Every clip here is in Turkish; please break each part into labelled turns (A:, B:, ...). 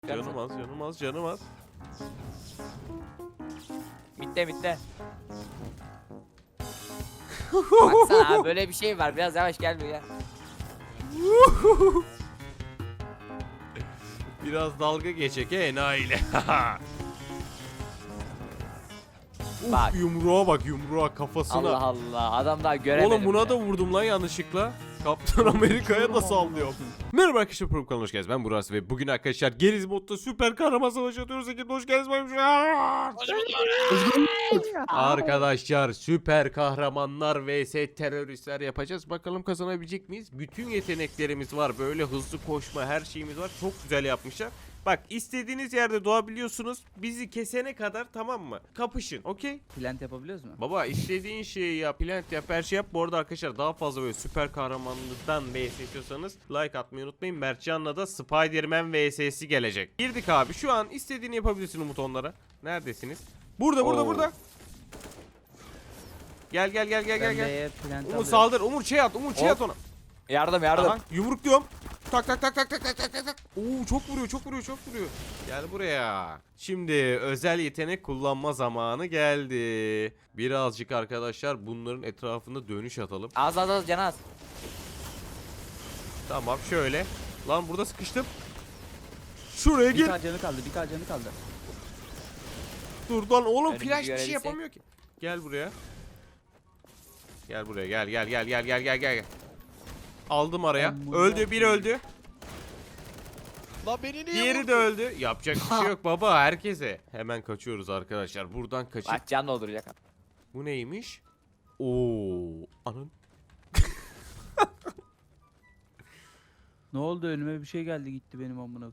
A: Canım az, canım az, canım az.
B: Bitti. Baksana abi, böyle bir şey var. Biraz yavaş gel buraya.
A: Biraz dalga geçek enayiyle.
B: Bak.
A: Yumruğa bak, yumruğa kafasına.
B: Allah Allah, adam daha göremedim.
A: Oğlum buna
B: bile.
A: da vurdum lan yanlışlıkla. Kaptan Amerika'ya da sallıyorum. Merhaba arkadaşlar, program kanalına hoş geldiniz. Ben Burak ve bugün arkadaşlar Geriz modda süper kahraman savaşı atıyoruz. Ekibine hoş geldiniz. Arkadaşlar süper kahramanlar vs teröristler yapacağız. Bakalım kazanabilecek miyiz? Bütün yeteneklerimiz var. Böyle hızlı koşma, her şeyimiz var. Çok güzel yapmışlar. Bak, istediğiniz yerde doğabiliyorsunuz. Bizi kesene kadar, tamam mı? Kapışın, okey?
C: Plant yapabiliyoruz mu?
A: Baba istediğin şeyi yap, plant yap, her şey yap. Bu arada arkadaşlar daha fazla böyle süper kahramanlıktan vs istiyorsanız like atmayı unutmayın. Mertcan'la da Spider-Man vs'si gelecek. Girdik abi. Şu an istediğini yapabilirsin Umut onlara. Neredesiniz? Burada. Gel.
C: Ben
A: Gel.
C: B'ye plant
A: Umut
C: alıyorum.
A: saldır. Umut şey at
B: Hop.
A: ona.
B: Yardım.
A: Aha, yumruk diyorum. Tak. Oo, çok vuruyor. Gel buraya. Şimdi özel yetenek kullanma zamanı geldi. Birazcık arkadaşlar bunların etrafında dönüş atalım.
B: Az can az.
A: Tamam şöyle. Lan burada sıkıştım. Şuraya gir.
C: Bir canı kaldı.
A: Dur lan oğlum,
B: Önümüzü
A: flash bir şey
B: görebilsek.
A: yapamıyor ki. Gel buraya. Gel. Aldım araya.
C: Amına
A: Öldü, bir öldü.
D: La beni niye
A: Diğeri
D: vurdun?
A: de öldü. Yapacak bir şey yok baba, herkese. Hemen kaçıyoruz arkadaşlar. Buradan kaçıp.
B: Bak, can dolduracak.
A: Bu neymiş? Oo, anın.
C: Ne oldu, önüme bir şey geldi gitti benim amına.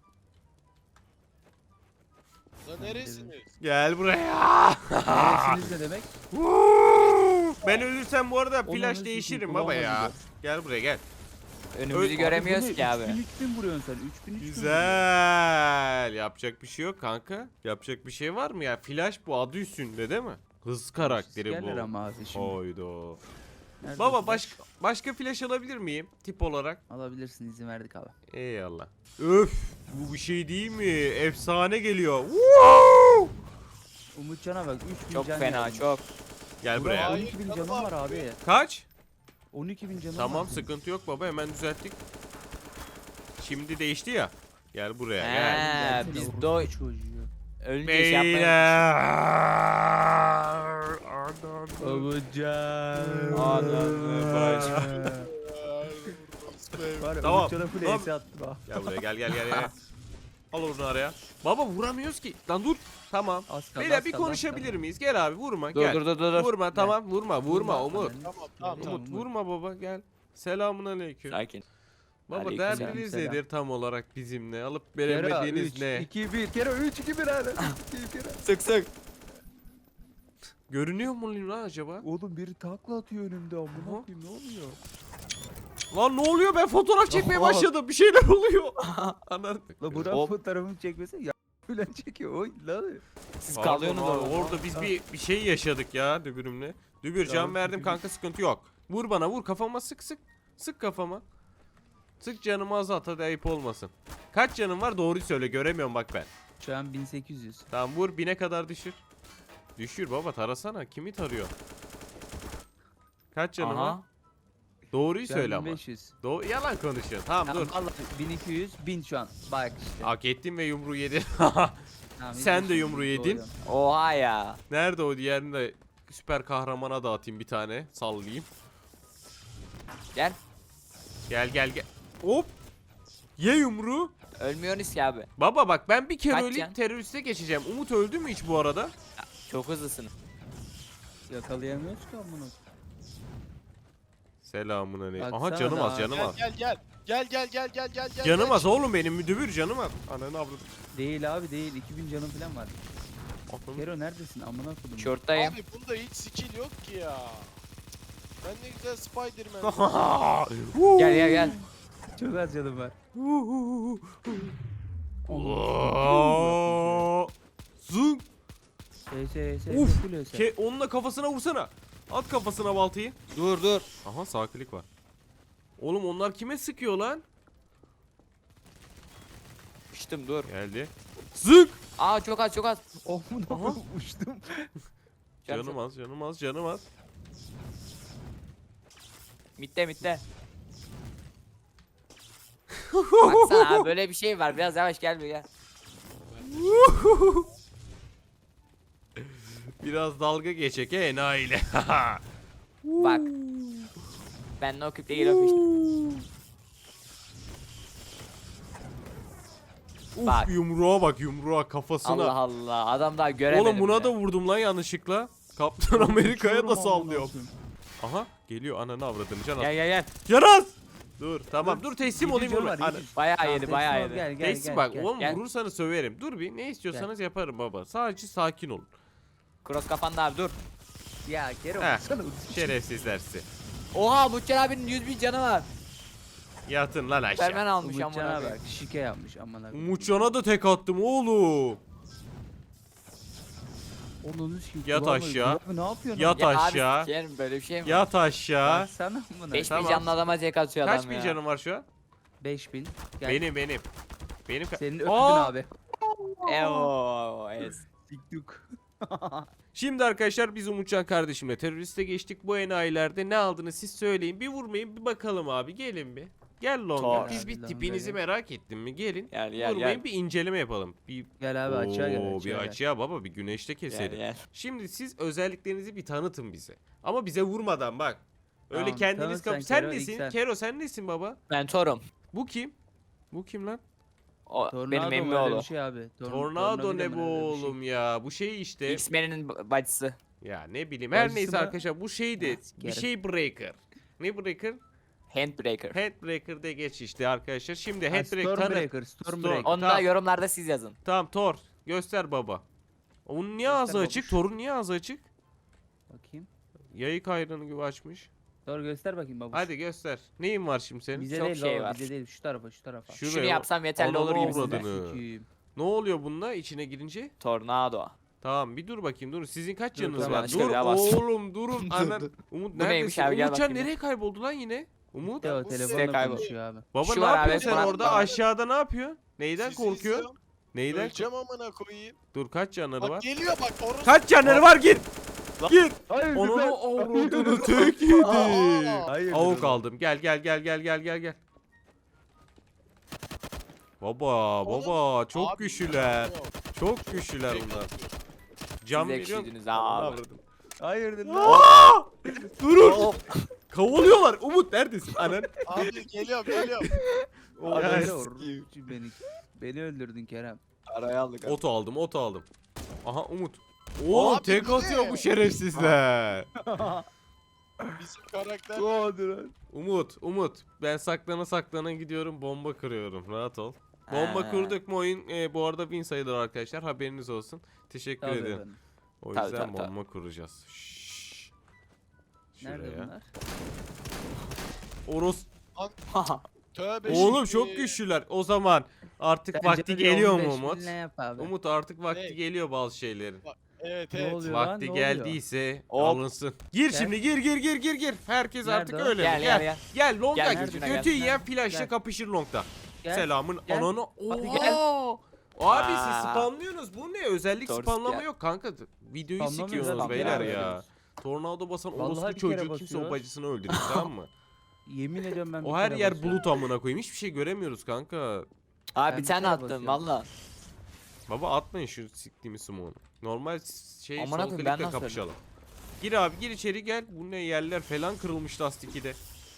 D: La neresiniz?
A: Gel buraya.
C: Neresiniz ne demek?
A: Ben ölürsem bu arada
C: Onun
A: flash
C: nasıl
A: değişirim
C: kulağıma
A: baba ya.
C: gidiyor.
A: Gel buraya gel.
B: Önümüzü göremiyoruz ki abi.
C: 3000 vuruyorsun sen. 3000
A: Güzel. Yapacak bir şey yok kanka. Yapacak bir şey var mı ya? Flash bu, adı üstünde değil mi? Hız karakteri
C: Gelir
A: bu.
C: ama abi şimdi.
A: Oydo.
C: Nerede
A: Baba
C: o flash?
A: başka flash alabilir miyim tip olarak?
C: Alabilirsin, izin verdik abi.
A: Eyvallah. Öf, bu bir şey değil mi? Efsane geliyor. Woo!
C: Umutcan'a bak, 3000
B: Çok
C: can
B: fena,
C: yazmış.
B: çok.
A: Gel buraya.
D: Hayır,
C: 12.000
D: canım
C: canım var
D: abi.
C: abi.
A: Kaç?
C: 12.000 canım
A: Tamam,
C: var.
A: sıkıntı yok baba, hemen düzelttik. Şimdi değişti ya. Gel buraya gel.
B: He,
C: Gelsene,
B: biz
C: orospu çocuğu.
B: ölünce şey yapmayalım.
A: Beyler.
C: Umutcan.
B: Ananı
C: Var ya,
A: Tamam,
C: Umutcan'a full
A: tamam.
C: ace attım ha.
A: Gel buraya gel. Al onu araya. Baba vuramıyoruz ki. Lan dur. Tamam.
C: Az kaldı,
A: Beyler
C: az
A: bir
C: kaldı, az
A: konuşabilir
C: kaldı.
A: miyiz? Gel abi, vurma.
B: Dur,
A: Gel.
B: dur.
A: Vurma, tamam. Vurma Umut.
C: Ananı-
D: Tamam.
C: Tamam.
A: Umut vurma baba, gel. Selamun aleyküm.
B: Sakin.
A: Baba
B: Aleykümselam.
A: derdiniz
C: Selam.
A: nedir tam olarak bizimle? Alıp
C: Kero
A: veremediğiniz
C: 3,
A: ne?
C: 2, 1. Kero 3, 2, 1 hadi.
B: Sık.
A: Görünüyor mu lan acaba?
C: Oğlum biri takla atıyor önümde
A: Aha.
C: amına koyayım, ne oluyor?
A: Lan ne oluyor? Ben fotoğraf çekmeye
C: Aha.
A: başladım. Bir şeyler oluyor. Anan.
C: La Burak
B: Hop.
C: fotoğrafımı çekmese ya falan çekiyor. Oy lan.
B: Siz
A: Pardon
B: kalıyorsunuz
A: abi,
B: orada.
A: orada biz bir şey yaşadık ya dübürümle. Dübür can
C: Tamam,
A: verdim
C: dübür.
A: kanka, sıkıntı yok. Vur bana, vur kafama, sık. Sık kafama. Sık canımı azalt, hadi ayıp olmasın. Kaç canım var, doğruyu söyle, göremiyorum bak ben.
C: Şu an 1800.
A: Tamam vur, 1000'e kadar düşür. Düşür baba, tarasana, kimi tarıyor? Kaç canım var?
B: Aha.
A: Doğruyu
C: Şu an
A: söyle ama.
C: 1500.
A: Yalan konuşuyorsun. Tamam dur.
C: Tamam, vallahi 1200, 1000 şu an. Bak işte.
A: Hak ettin ve yumruğu yedin.
C: Tamam,
A: sen de
C: 1500
A: yumruğu yedin.
C: doğru.
B: Oha ya.
A: Nerede o, diğerini de süper kahramana dağıtayım bir tane. Sallayayım.
B: Gel.
A: Gel. Hop. Ye yumruğu.
B: Ölmüyorsunuz ki abi.
A: Baba bak, ben bir kere
B: Kaç
A: öleyim,
B: can?
A: teröriste geçeceğim. Umut öldü mü hiç bu arada?
B: Çok hızlısınız.
C: Yakalayamıyoruz ki amına.
A: Selamun aleyküm. Aha,
C: Baksana
A: canım az,
C: daha.
A: canım az.
D: Gel.
A: Canım az oğlum benim, müdür canım az. Ananı avradım.
C: Değil abi değil. 2000 canım falan var.
A: Aklım-
C: Kero neredesin amına koydum.
B: Şorttayım.
D: Abi bunda hiç skill yok ki ya. Ben ne güzel Spider-Man.
B: Gel.
C: Çok az canım var.
A: Oo. Zın. Uf.
C: Full öse.
A: Onunla kafasına vursana. At kafasına baltayı.
B: Dur.
A: Aha, sağ klik var. Oğlum onlar kime sıkıyor lan?
B: Şşt, açtım dur.
A: Geldi. Zık.
B: Aa çok az çok az.
C: Oh mu uçtum.
A: Canım az, canım az, canım az.
B: Mitte. Baksana abi böyle bir şey var. Biraz yavaş gel buraya.
A: Biraz dalga geçek enayiyle.
B: Bak. Ben no clip'te geliyorum işte. Bak.
A: Uf, yumruğa bak, yumruğa kafasına.
B: Allah Allah. Adam daha göremedim.
A: Oğlum buna
B: bile.
A: da vurdum lan yanlışlıkla. Kaptan Amerika'ya da
C: Uçuyorum
A: sallıyor.
C: amına
A: Aha geliyor, ananı avradını Canaz.
B: Gel.
A: Canaz! Dur tamam dur teslim olayım
C: Gidici
A: vurma.
C: var,
A: Ana-
C: gidici.
B: Bayağı
C: Tamam,
B: yedi
C: teslim
B: bayağı
C: ol,
B: yedi.
C: Gel gel
A: Teslim
C: gel.
A: bak
C: gel.
A: oğlum
B: Gel.
A: vurursanız söverim. Dur bir ne istiyorsanız yaparım baba. Sadece sakin olun.
B: Cross kafanda abi dur.
C: Ya Kerem
A: Heh.
C: baksana.
A: Şerefsizler sizi.
B: Oha Muhtar abinin 100.000 canı var.
A: Yatın lan
B: Superman
A: aşağı.
B: almış
C: Umutcan'a
B: amına
C: bak şike yapmış amına.
A: Umutcan'a da tek attım oğlum.
C: Onun için
A: Yat aşağı.
C: Ne yapıyorsun?
A: Yat
B: Ya
A: aşağı.
B: abi sikerim böyle bir şey mi?
A: Yat aşağı.
C: Baksana amına.
B: 5000
A: Tamam.
B: canlı adama tek atıyor
A: Kaç
B: adam
A: bin
B: ya.
A: canım var şu an?
C: 5000. Gel.
A: Benim. Benim
C: Senin öptün
A: Aa!
C: abi.
B: Evo. Es.
C: Tiktuk.
A: Şimdi arkadaşlar biz Umutcan kardeşimle teröriste geçtik. Bu enayilerde ne aldınız siz söyleyin. Bir vurmayın bir bakalım abi gelin bir. Gel Longa.
B: Tor.
A: Biz bir
C: Longa
A: tipinizi
C: gel.
A: merak ettim mi? Gelin.
B: Gel
A: Vurmayın bir inceleme yapalım. Bir
C: Gel abi açığa gel.
A: Oo,
C: Açığa
A: bir
C: gel.
A: açığa baba bir güneşte keselim.
B: Gel.
A: Şimdi siz özelliklerinizi bir tanıtın bize. Ama bize vurmadan bak. Öyle
C: Tamam,
A: kendiniz
C: tanıt
A: kap.
C: sen
A: Sen
C: Kero, ilk
A: nesin?
C: sen.
A: Kero sen nesin baba?
B: Ben Torum.
A: Bu kim? Bu kim lan?
B: O
C: Tornado
B: benim
C: mu
B: emmi
C: öyle
B: oğlu.
C: bir şey abi.
A: Tornado ne
C: mi
A: bu
C: öyle bir şey?
A: oğlum ya? Bu şey işte.
B: X-Men'in bacısı.
A: Ya ne bileyim. Her
C: Bacısı
A: neyse
C: mı?
A: arkadaşlar bu şeydi.
C: Ha,
A: Bir
C: sikerim.
A: şey breaker. Ne breaker?
B: Handbreaker.
A: Headbreaker de geç işte arkadaşlar. Şimdi
C: Ha,
A: Headbreaker tanı.
C: Stormbreaker. Stormbreaker.
B: Onu da
A: Tamam.
B: yorumlarda siz yazın.
A: Tamam Thor. Göster baba. Onun niye ağzı
C: Göster
A: açık?
C: babuş.
A: Thor'un niye ağzı açık?
C: Bakayım.
A: Yayık ayranı gibi açmış.
C: Doğru göster bakayım babuş.
A: Hadi göster. Neyin var şimdi senin?
C: Bize
B: Çok
C: değil
B: şey
C: baba,
B: var.
C: bize değil şu tarafa şu tarafa.
A: Şuraya
B: Şunu
A: o-
B: yapsam yeterli olur
A: Ananı
B: gibisinden.
A: avradını.
C: Sikiyim.
A: Ne oluyor bununla içine girince?
B: Tornado.
A: Tamam bir dur bakayım dur. Sizin kaç
C: Dur,
A: canınız
C: tamam,
A: var?
B: işte
A: Dur
B: bir daha bas.
A: oğlum durun. Anan. Umut
B: Bu neymiş
A: neredesin?
B: abi, gel
A: Umutcan
B: bakayım.
A: nereye kayboldu lan yine? Umut.
C: Teo
D: bu
C: telefonla
B: site kaybol-
C: konuşuyor abi.
A: Baba
B: Şu
A: ne
B: var abi,
A: yapıyorsun sen
B: bana-
A: orada?
B: bana-
A: Aşağıda ne yapıyorsun? Neyden
D: Sizi
A: korkuyor?
D: izliyorum.
A: Neyden?
D: Öleceğim amına koyayım.
A: Dur kaç canları
D: Bak
A: var?
D: geliyor bak orası.
A: Kaç canları var gir. Gir.
C: Hayır
A: Onu avradını tek yedi.
C: Hayır.
A: Avuk aldım. Gel gel gel gel gel gel gel. Baba çok
D: Abi,
A: güçlüler.
D: yok.
A: Çok güçlüler bunlar. Can
B: Siz
A: veriyorum.
B: ekşidiniz
A: Ananı
B: abi.
A: avradım.
C: Hayırdır lan?
A: Aa! Durun. Kavalıyorlar. Umut neredesin? Anan.
D: Abi geliyorum.
C: O
A: Ya,
C: böyle
A: sikeyim.
C: beni öldürdün Kerem.
B: Araya aldık abi.
A: Ot aldım. Aha Umut. Oğlum
D: Abi,
A: tek
D: bu
A: atıyor
D: ne?
A: bu şerefsizler.
D: Bizim karakter.
C: Hadi lan.
A: Umut. Ben saklana gidiyorum bomba kırıyorum. Rahat ol. Bomba
B: Ha.
A: kurduk mu oyun bu arada win sayılır arkadaşlar. Haberiniz olsun. Teşekkür
C: Tabii
A: ederim.
C: efendim.
A: O
B: Tabii,
A: yüzden
B: tabii, tabii.
A: bomba kuracağız. Şşş.
C: Nerede
A: Şuraya.
C: bunlar?
A: Oros.
D: Tövbe
A: Oğlum
D: şimdi.
A: çok güçlüler. O zaman artık
C: Bence
A: vakti
C: bir
A: geliyor mu
C: 15
A: Umut?
C: bin ne yap abi?
A: Umut artık vakti
D: Ne?
A: geliyor bazı şeylerin.
D: Evet
C: Ne
D: evet.
C: oluyor lan?
A: Vakti
C: Ne oluyor?
A: geldiyse
B: Hop.
A: alınsın. Gir
C: Gel.
A: şimdi gir. Herkes
C: Nerede
A: artık
C: o?
A: öyle.
B: Gel,
A: mi?
B: gel, gel.
A: Gel Long'a
B: Gel,
A: gir.
B: nerede?
A: Kötü
C: Gel.
A: yiyen flash'la
C: Gel.
A: kapışır Long'da.
C: Gel.
A: Selamın
C: Gel.
A: ananı.
C: Hadi
A: Oha!
C: gel.
A: Abi siz
B: Aa.
A: spamlıyorsunuz. Bu ne? Özellik
B: Doğru
A: spamlama
B: ya.
A: yok kanka. Videoyu
C: Spamlamıyoruz
A: sikiyorsunuz
B: abi,
A: beyler
B: ya.
A: ya. Tornado basan
C: Vallahi
A: orospu
C: bir kere
A: çocuğu kimse
C: basıyoruz.
A: o bacısını öldürür tamam mı?
C: Yemin ediyorum ben bir
A: O her
C: kere
A: yer
C: basıyorum.
A: bulut amına koyayım. Hiçbir şey göremiyoruz kanka.
B: Abi
C: Ben
B: bir
C: bir
B: tane
C: kere
B: attım
C: basıyorum.
B: valla.
A: Baba atmayın şu siktiğimi smoke'u. Normal şey
B: Amına
A: sol
B: koyayım, ben
A: klikle
B: nasıl
A: kapışalım. Gir abi gir içeri gel. Bu ne yerler falan kırılmış lastik 2'de.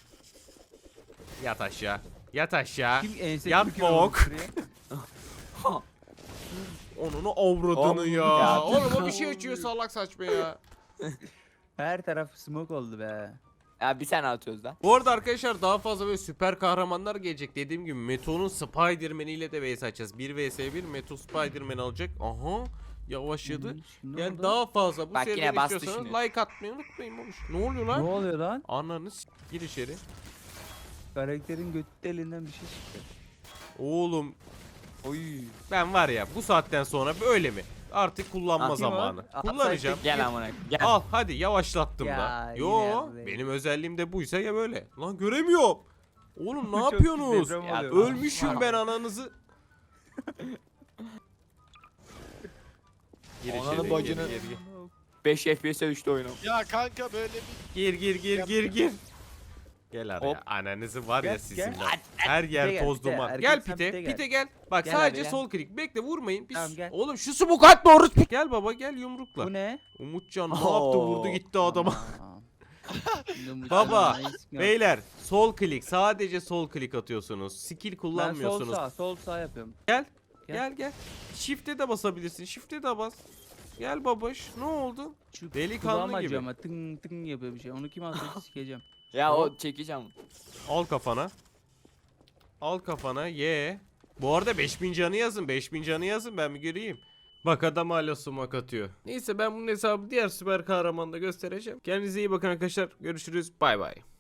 A: Yat aşağı. Yat aşağı.
C: Kim ense
A: Yat
C: büküyor
A: bok.
C: buraya?
A: Onunu avradını
B: Hop.
A: ya.
B: Ya.
A: Oğlum o bir şey açıyor salak saçma ya.
C: Her taraf smoke oldu be.
B: Ya bir tane atıyoruz lan.
A: Bu arada arkadaşlar daha fazla böyle süper kahramanlar gelecek. Dediğim gibi Meto'nun Spider-Man ile de vs açacağız. 1 vs 1 Meto Spider-Man alacak. Aha yavaşladı.
C: Şimdi
A: Yani
C: oldu.
A: daha fazla bu
B: Bak yine
A: seriden
B: bastı
A: istiyorsanız
B: şimdi.
A: like atmayı unutmayın babuş. Ne oluyor
C: Ne
A: lan?
C: oluyor lan?
A: Ananı gir içeri.
C: Karakterin götü elinden bir şey çıktı.
A: Oğlum
B: Oy.
A: ben var ya bu saatten sonra böyle mi? Artık kullanma
B: Atayım
A: zamanı.
C: o.
A: Kullanacağım.
B: Gel amına. Gel.
A: Al hadi yavaşlattım
C: Ya,
A: da.
C: yine
A: Yo
C: yaptı.
A: benim özelliğim de buysa ya böyle. Lan göremiyorum. Oğlum ne
C: Çok
A: yapıyorsunuz?
C: deprem
B: Ya,
C: oluyor.
A: Ölmüşüm ben ananızı. Gir
B: Ananı
A: içeri,
B: bacını-
A: gir.
B: 5 FPS'e düştü oyunum.
D: Ya kanka böyle bir
A: Gir. Gel araya.
B: Hop.
A: Ananızı var ya
C: Gel,
A: sizin
C: gel.
A: lan. Her yer
C: Pite gel,
A: toz
C: pite.
A: duman.
C: Erkek
A: Gel
C: sen
A: pite.
C: pite gel.
A: Pite gel. Bak
B: Gel
A: sadece
B: abi, gel.
A: sol klik. Bekle vurmayın.
C: Tamam, gel.
A: Oğlum şu smoke atma orospu. Gel baba gel yumrukla.
C: Bu ne?
A: Umutcan ne
B: Oo.
A: yaptı vurdu gitti adama.
C: Tamam. Şimdi bu
A: Baba,
C: sana nice yok.
A: Beyler sol klik. Sadece sol klik atıyorsunuz. Skill
C: Ben sol
A: kullanmıyorsunuz.
C: sol sağ yapıyorum.
A: Gel.
C: Gel.
A: Gel. Shift'e de basabilirsin. Shift'e de bas. Gel babaş. Ne oldu?
C: Şu
A: Delikanlı
C: kulağım acıyor
A: gibi.
C: ama tın tın yapıyor bir şey. Onu kim atıyor sikeceğim.
B: Ya o çekeceğim.
A: Al kafana. Al kafana. Ye. Bu arada 5000 canı yazın. 5000 canı yazın ben bir göreyim. Bak adam hala sumak atıyor. Neyse ben bunun hesabı diğer süper kahramanda göstereceğim. Kendinize iyi bakın arkadaşlar. Görüşürüz. Bay bay.